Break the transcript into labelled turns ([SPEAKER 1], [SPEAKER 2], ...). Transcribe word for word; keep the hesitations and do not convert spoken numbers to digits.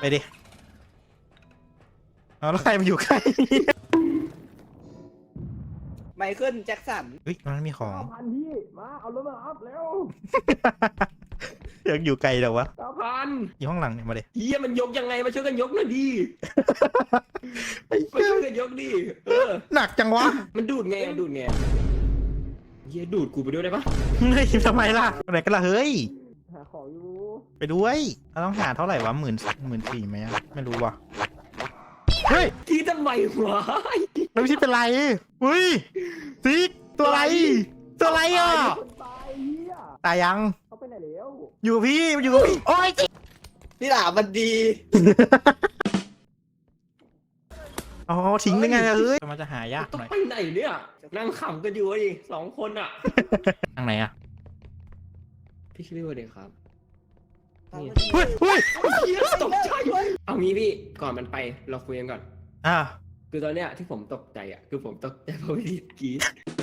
[SPEAKER 1] ไปดิเอาแล้วใครมาอยู่ใกล้
[SPEAKER 2] ไมเคิลแจ็คสัน
[SPEAKER 1] เฮ้ยมันมีของ
[SPEAKER 3] พันพี่มาเอารถมาอัพแล้ว
[SPEAKER 1] ยังอยู่ไกลเดี๋ยววะ
[SPEAKER 3] เก้าพัน
[SPEAKER 1] อยู่ห้องหลังเนี่ยมาดิ
[SPEAKER 3] เฮียมันยกยังไงมาช่วยกันยกหน่อยดิมาช่วยกันยกดิเออ
[SPEAKER 1] หนักจังวะ
[SPEAKER 3] มันดูดไงดูดไงเฮียดูดกูไปด้วยได้ปะ
[SPEAKER 1] เฮ้ยทำไมล่ะไหนกันล่ะเฮ้ย
[SPEAKER 3] หาของอยู่
[SPEAKER 1] ไปด้วยเราต้องหาเท่าไหร่วะหมื่นหมื่นสี่ไหมอะไม่รู้ว่ะเฮ้ย
[SPEAKER 3] ที่ทำไมวะ
[SPEAKER 1] แล้วพี่เป็นไรเฮ้ยซิกตัวอะไรตัวอะไรอ่ะ
[SPEAKER 3] ตายเฮีย
[SPEAKER 1] ตายยัง
[SPEAKER 3] เขาไปไหนแล้ว
[SPEAKER 1] อยู่กับพี่อยู่กับพี่โอ้ย
[SPEAKER 2] นี่หล่ามันดี
[SPEAKER 1] อ๋อทิ้งได้ไงอะเฮ้ยมันจะหายาก
[SPEAKER 3] ต้อง
[SPEAKER 1] หน่อย
[SPEAKER 3] ไปไหนเนี่ยนั่งขำกันอยู่ดิสองคนอ่ะ
[SPEAKER 1] ทางไหนอะ
[SPEAKER 3] พี่คิดว่าเด็กครับ
[SPEAKER 2] ตามมา
[SPEAKER 1] เฮ้ยเฮ้ย
[SPEAKER 3] เฮียตกใจเอางี้พี่ก่อนมันไปเราคุยกันก่อน
[SPEAKER 1] อ่ะ
[SPEAKER 3] คือตอนเนี้ยที่ผมตกใจอ่ะคือผมตกใจเพราะวิธีกรีด